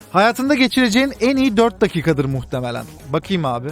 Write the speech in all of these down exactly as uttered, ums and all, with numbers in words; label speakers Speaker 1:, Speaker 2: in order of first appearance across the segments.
Speaker 1: Hayatında geçireceğin en iyi dört dakikadır muhtemelen. Bakayım abi.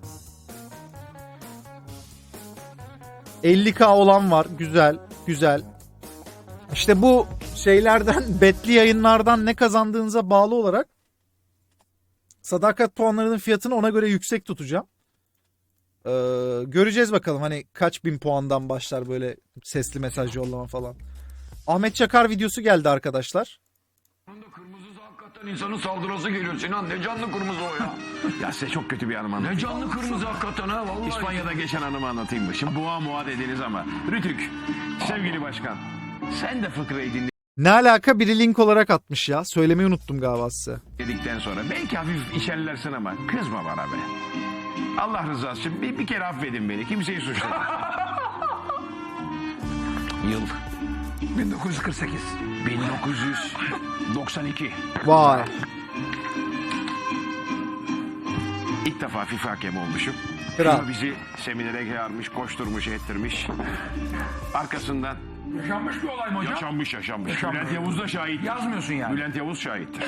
Speaker 1: elli K olan var. Güzel. Güzel. İşte bu şeylerden, betli yayınlardan ne kazandığınıza bağlı olarak sadakat puanlarının fiyatını ona göre yüksek tutacağım. Ee, göreceğiz bakalım hani kaç bin puandan başlar böyle sesli mesaj yollama falan. Ahmet Çakar videosu geldi arkadaşlar.
Speaker 2: Kırmızısı hakikaten insanın saldırısı geliyor Sinan. Ne canlı kırmızı o ya.
Speaker 3: Ya size çok kötü bir anım anlatayım.
Speaker 2: Ne canlı kırmızı hakikaten ha vallahi.
Speaker 3: İspanya'da geçen anımı anlatayım mı? Şimdi boğa muğa dediniz ama. Rütük, sevgili başkan. Sen de fıkrayı
Speaker 1: Ne alaka, biri link olarak atmış ya. Söylemeyi unuttum galiba size.
Speaker 3: dinledikten sonra belki hafif işerlersin ama kızma bana be. Allah rızası için bir, bir kere affedin beni. Kimseyi suçlamayın. Yıl
Speaker 2: bin dokuz yüz kırk sekiz.
Speaker 3: bin dokuz yüz doksan iki.
Speaker 1: Vay.
Speaker 3: İlk defa FIFA hakemi olmuşum.
Speaker 1: Kral.
Speaker 3: FIFA bizi seminere çağırmış, koşturmuş, ettirmiş. Arkasından
Speaker 2: Yaşanmış bir olay mı hocam?
Speaker 3: yaşanmış yaşanmış.
Speaker 2: Yaşanmış.
Speaker 3: Bülent Yavuz da şahit.
Speaker 2: Yazmıyorsun yani.
Speaker 3: Bülent Yavuz şahittir.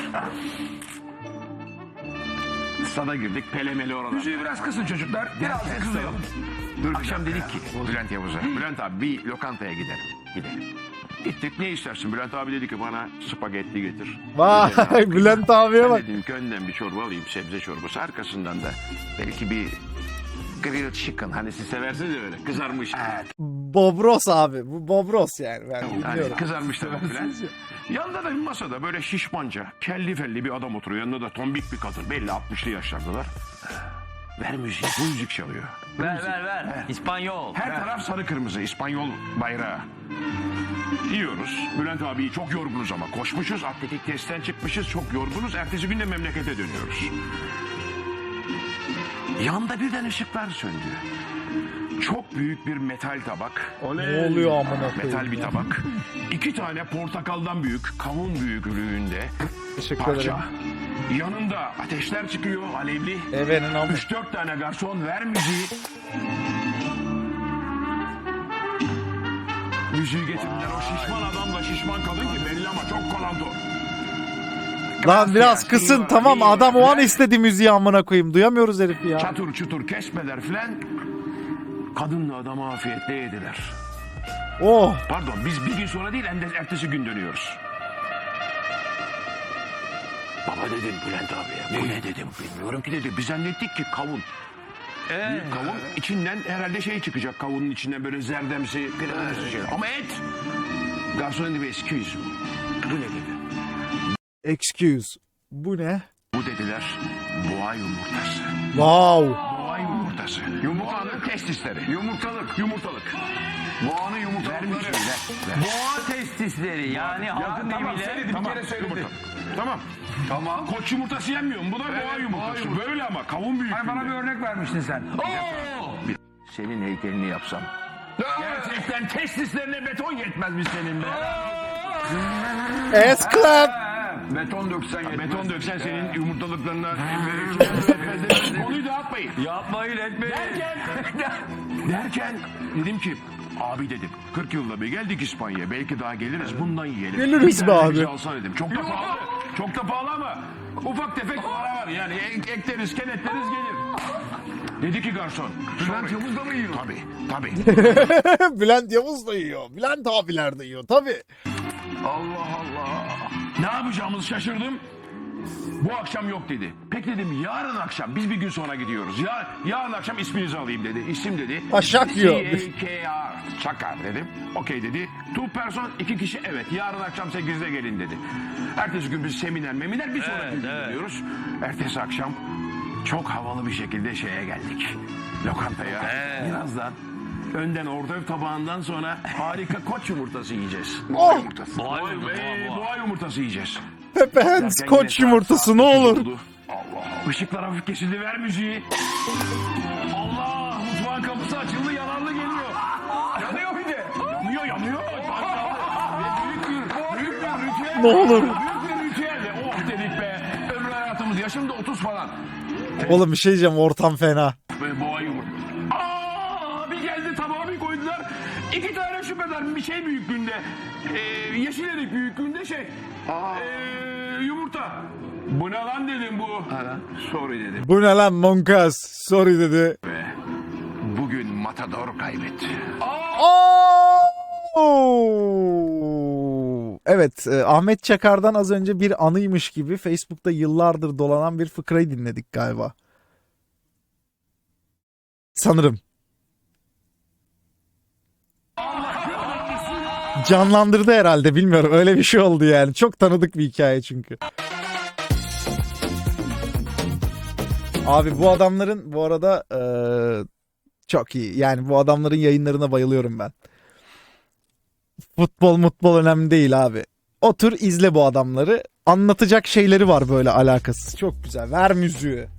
Speaker 3: Stada girdik, pelemeli oralar.
Speaker 2: Müziği biraz kısın çocuklar. Biraz da kızalım.
Speaker 3: Dur, akşam dedik ki Bülent Yavuz'a, Bülent abi bir lokantaya gidelim. Gidelim. Gittik, ne istersin? Bülent abi dedi ki bana spagetti getir.
Speaker 1: Vay Bülent abiye
Speaker 3: Ben
Speaker 1: bak.
Speaker 3: dedim ki önden bir çorba alayım, sebze çorbası. Arkasından da belki bir grilled chicken. Hani siz seversiniz ya öyle, kızarmış.
Speaker 1: Bobros abi. Bu Bobros yani. Ben
Speaker 3: Yani
Speaker 1: biliyorum.
Speaker 3: kızarmış tavuk falan. Yanında da bir masada böyle şişmanca, kelli felli bir adam oturuyor. Yanında da tombik bir kadın. Belli altmışlı yaşlardalar. Ver müziği. Bu müzik çalıyor.
Speaker 4: Ver ver ver. İspanyol.
Speaker 3: Her taraf sarı kırmızı İspanyol bayrağı. Yiyoruz. Bülent abi çok yorgunuz ama. Koşmuşuz, atletik testten çıkmışız. Çok yorgunuz. Ertesi gün de memlekete dönüyoruz. Yanda birden ışıklar söndü. Çok büyük bir metal tabak.
Speaker 1: Ne oluyor amına koyayım
Speaker 3: Metal bir
Speaker 1: ya?
Speaker 3: tabak. İki tane portakaldan büyük, kavun büyüklüğünde
Speaker 1: Teşekkür
Speaker 3: parça.
Speaker 1: ederim.
Speaker 3: Yanında ateşler çıkıyor, alevli.
Speaker 1: Evenin amı.
Speaker 3: Üç dört tane garson, ver müziği. Müziği getirdiler. O şişman adamla şişman kadın ki belli ama çok kalantor.
Speaker 1: Lan biraz kısın, tamam, adam o an istedi müziği amına koyayım. Duyamıyoruz herifi ya.
Speaker 3: Çatır çutur kesmeler filan. Kadınla adamı afiyetle yediler.
Speaker 1: Oh.
Speaker 3: Pardon, biz bir gün sonra değil, hem de ertesi gün dönüyoruz. Baba dedim Bülent abiye. Bu ne dedim, bilmiyorum ki dedi. Biz zannettik ki kavun.
Speaker 4: Ee,
Speaker 3: Kavun içinden herhalde şey çıkacak, kavunun içinden böyle zerdemsi, kremsi şey. Ama et. Garson dedi, excuse. Bu ne dedi?
Speaker 1: Excuse. Bu ne?
Speaker 3: Bu dediler, boğa yumurtası.
Speaker 1: Wow.
Speaker 3: Boğa yumurtası. Boğanın testisleri.
Speaker 2: Yumurtalık.
Speaker 3: Yumurtalık.
Speaker 2: Boğanın
Speaker 3: Ver
Speaker 2: yumurtalıkları.
Speaker 3: müziği, ver. ver.
Speaker 4: boğa testisleri yani halkın
Speaker 2: tamam,
Speaker 4: deyimiyle.
Speaker 2: söyledi.
Speaker 3: Tamam,
Speaker 2: kere söyledi.
Speaker 3: yumurta. Tamam.
Speaker 2: Tamam.
Speaker 3: Koç yumurtası yenmiyor mu? Bu da
Speaker 2: Evet,
Speaker 3: boğa yumurtası.
Speaker 2: boğa yumurtası.
Speaker 3: Böyle ama kavun büyüklüğünde.
Speaker 2: Ay bana bir örnek vermiştin sen.
Speaker 4: Oo!
Speaker 3: Senin heykelini yapsam. Gerçekten testislerine beton yetmez mi senin be?
Speaker 1: Ass clap.
Speaker 2: Beton döksen yetmez.
Speaker 3: Beton döksen senin yumurtalıklarına. Konuyu dağıtmayın.
Speaker 4: Yapmayın etmeyin.
Speaker 3: Derken dedim ki abi dedim kırk yılda bir geldik İspanya'ya, belki daha geliriz, bundan yiyelim.
Speaker 1: Geliriz
Speaker 3: Bir
Speaker 1: be
Speaker 3: tane
Speaker 1: abi.
Speaker 3: bize alsana dedim. Çok da pahalı. Çok da pahalı ama ufak tefek para var yani, ek- ekleriz kenetleriz gelir. Dedi ki garson.
Speaker 2: Bülent Yavuz da mı yiyor?
Speaker 3: Tabii tabii.
Speaker 1: Bülent Yavuz da yiyor. Bülent abiler de yiyor tabii.
Speaker 3: Allah Allah. Ne yapacağımızı şaşırdım. Bu akşam yok dedi. Peki dedim, yarın akşam, biz bir gün sonra gidiyoruz. Ya, yarın akşam isminizi alayım dedi. İsim dedi.
Speaker 1: Taşak yiyor.
Speaker 3: C A K R. Çakar dedim. Okey dedi. Two person, iki kişi, evet. Yarın akşam sekizde gelin dedi. Ertesi gün biz seminer meminer bir sonraki
Speaker 4: Evet,
Speaker 3: gün
Speaker 4: evet.
Speaker 3: gidiyoruz. Ertesi akşam çok havalı bir şekilde şeye geldik. Lokantaya.
Speaker 4: Evet.
Speaker 3: Birazdan önden orta tabağından sonra harika koç yumurtası yiyeceğiz.
Speaker 1: Oh.
Speaker 3: Yumurtası.
Speaker 4: Boğa
Speaker 3: Boğa,
Speaker 4: yumurtası,
Speaker 3: ee,
Speaker 4: boğa, boğa.
Speaker 3: boğa yumurtası yiyeceğiz.
Speaker 1: Pepe Hands
Speaker 3: Derken
Speaker 1: koç
Speaker 3: yine
Speaker 1: yumurtası
Speaker 3: saat
Speaker 1: ne
Speaker 3: sekiz
Speaker 1: olur.
Speaker 3: oldu. Allah Allah. Işıklar hafif kesildi, ver müziği. Allah, mutfağın kapısı açıldı, yalanlı geliyor.
Speaker 2: Yanıyor bir de.
Speaker 3: Yanıyor yanıyor. Büyük bir, büyük bir ritüel.
Speaker 1: Ne olur.
Speaker 3: Büyük bir ritüel. Oh dedik be. Ömrü hayatımız, yaşım da otuz falan.
Speaker 1: Oğlum bir şey diyeceğim, ortam fena.
Speaker 3: Ve boğa yumurta. Aa, bir geldi tabağa bir koydular. İki tane şüpheden bir şey büyüklüğünde. E, yeşil erik büyüklüğünde şey. E, yumurta. Bu ne lan dedim bu. Sorry dedim.
Speaker 1: Bu ne lan Monkas? Sorry dedi.
Speaker 3: Ve bugün Matador kaybetti.
Speaker 1: Oo! Evet, e, Ahmet Çakar'dan az önce bir anıymış gibi Facebook'ta yıllardır dolanan bir fıkrayı dinledik galiba. Sanırım. Canlandırdı herhalde, bilmiyorum. Öyle bir şey oldu yani. Çok tanıdık bir hikaye çünkü. Abi bu adamların bu arada e, çok iyi. Yani bu adamların yayınlarına bayılıyorum ben. Futbol mutbol önemli değil abi. Otur izle bu adamları. Anlatacak şeyleri var böyle alakasız. Çok güzel. Ver müziği.